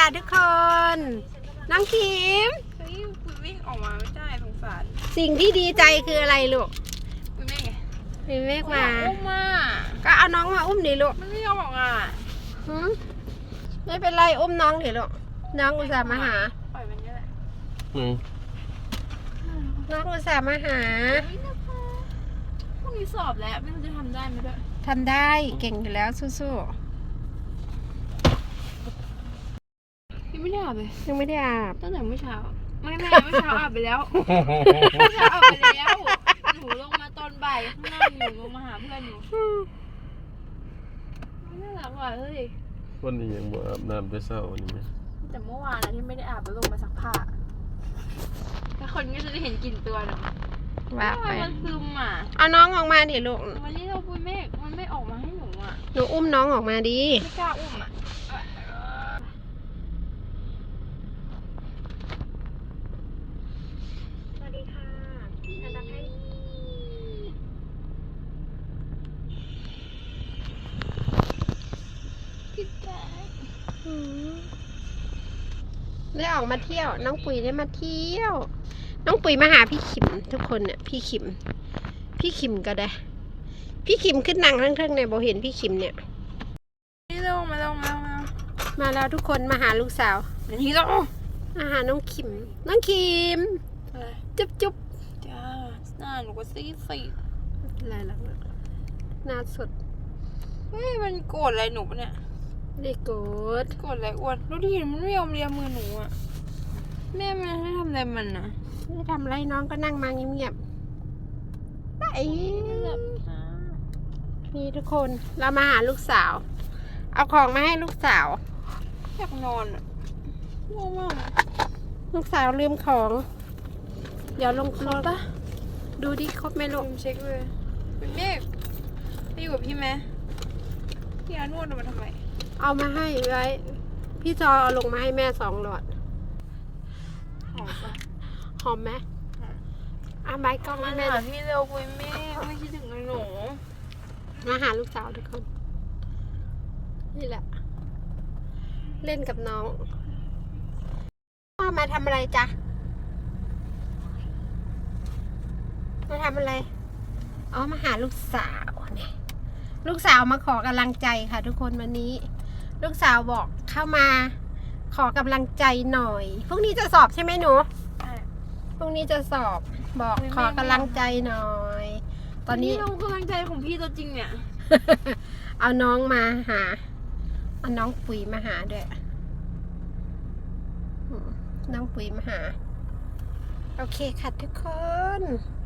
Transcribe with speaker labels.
Speaker 1: จ้าทุกคนน้องคิม
Speaker 2: เฮ้ยคุยวิ่งออกมาไม่ได้สงสาร
Speaker 1: สิ่งที่ดีใจคืออะไรลูก
Speaker 2: คุยไม่ไง
Speaker 1: มีเมฆมา
Speaker 2: อุ้มมา
Speaker 1: ก็เอาน้องมาอุ้มดิลูก
Speaker 2: มันไม่ยอมออกอ่ะ
Speaker 1: ไม่เป็นไรอุ้มน้องดิลูกน้องอุตส่าห์มาหา
Speaker 2: ปล่อยมันเยอะแหละ
Speaker 1: น้องอุตส่าห์มาหา
Speaker 2: เฮ้ยนะคะพรุ่งนี้สอบแล้วไม่รู้จะทำได้ไหมด้วย
Speaker 1: ทำได้เก่งอยู่แล้วสู้
Speaker 2: ยังไม่ได้อาบเลย
Speaker 1: ๆยังไม่ได้อาบ
Speaker 2: ตั้งแต่เมื่อเช้าไม่เมื่อเช้าอาบไปแล้วเมื่อเช้าอาบไปแล้วหนูลงมาตอนบ่ายข้างล่างหนูลงมาหาเพื่อนหนูไม่น่ารักว่ะเฮ้ย
Speaker 3: วันนี้ยังบ่อาบน้ำแต่เช้าวันนี้ไหม
Speaker 2: แต่เมื่อวานนะที่ไม่ได้อาบแล้วลงมาซักผ้าถ้าคนก็จะได้เห็นกลิ่นตัวนะ
Speaker 1: ว่าไป
Speaker 2: มันซึมอ่ะ
Speaker 1: เอาน้องออกมาดิลูก
Speaker 2: วันนี้เราปุยเมฆมันไม่ออกมาให้หนูอ่ะ
Speaker 1: หนูอุ้มน้องออกมาดิ
Speaker 2: ไม่กล้าอุ้มอ่ะ
Speaker 1: สวัสดีค่ะอันดับให้ได้ออกมาเที่ยวน้องปุ๋ยได้มาเที่ยว น้องปุ๋ยมาหาพี่ขิมทุกคนเนี่ยพี่ขิมก็ได้ พี่ขิมขึ้นนั่งทั้งๆเนี่ยโบเห็นพี่ขิมเนี่ย
Speaker 2: นี่ลงมาลงมา
Speaker 1: มาแล้วทุกคนมาหาลูกสาว
Speaker 2: เดี๋ยวนี้ลง
Speaker 1: มาหาน้องขิมน้องขิม
Speaker 2: อะไร
Speaker 1: จุ๊บจุ๊บ
Speaker 2: จ้าหน้าหนูก็ซีด
Speaker 1: อะไรล่ะหน้าสด
Speaker 2: เฮ้ยมันโกรธอะไรหนูปะเนี่ย
Speaker 1: ได้โกด
Speaker 2: โกรธอะไรอ้วนดูดิมันไม่ยอมเลียมือหนูอ่ะแม่มันให้ทำอะไรมันนะ
Speaker 1: ไม่ทำไรน้องก็นั่งมาเงียบๆไปนี่ทุกคนเรามาหาลูกสาว เอาของมาให้ลูกสาว
Speaker 2: อยากนอนอ่ะง่วงมาก
Speaker 1: ลูกสาวลืมของ เดี๋ยวลง
Speaker 2: ครบปะ
Speaker 1: ดูดิครบไหมลูก
Speaker 2: เช็คเลยเป็นเมฆไปอยู่กับพี่ไหมพี่อานวดมาทำไม
Speaker 1: เอามาให้ไว้ พี่จอเอาลงมาให้แม่2 หลอด
Speaker 2: หอมปะ
Speaker 1: หอมไหมเอาไม้กล้อง
Speaker 2: มา
Speaker 1: ให้แม่
Speaker 2: หา
Speaker 1: ดู
Speaker 2: พี่เร็วปุยเมฆไม่คิดถึงเลยหนู
Speaker 1: มาหาลูกสาวทุกคน นี่แหละ เล่นกับน้องพ่อมาทำอะไรจ๊ะมาทำอะไรอ๋อมาหาลูกสาวเนี่ยลูกสาวมาขอกำลังใจค่ะ ทุกคนวันนี้ ลูกสาวบอกเข้ามาขอกำลังใจหน่อยพรุ่งนี้จะสอบใช่ไหมหนูพรุ่งนี้จะสอบบอกขอกำลังใจหน่อย ตอนนี้
Speaker 2: ลงกำลังใจของพี่ตัวจริงเนี่ย
Speaker 1: เอาน้องมาหาเอาน้องปุ๋ยมาหาด้วยน้องปุ๋ยมาหาโอเคค่ะทุกคน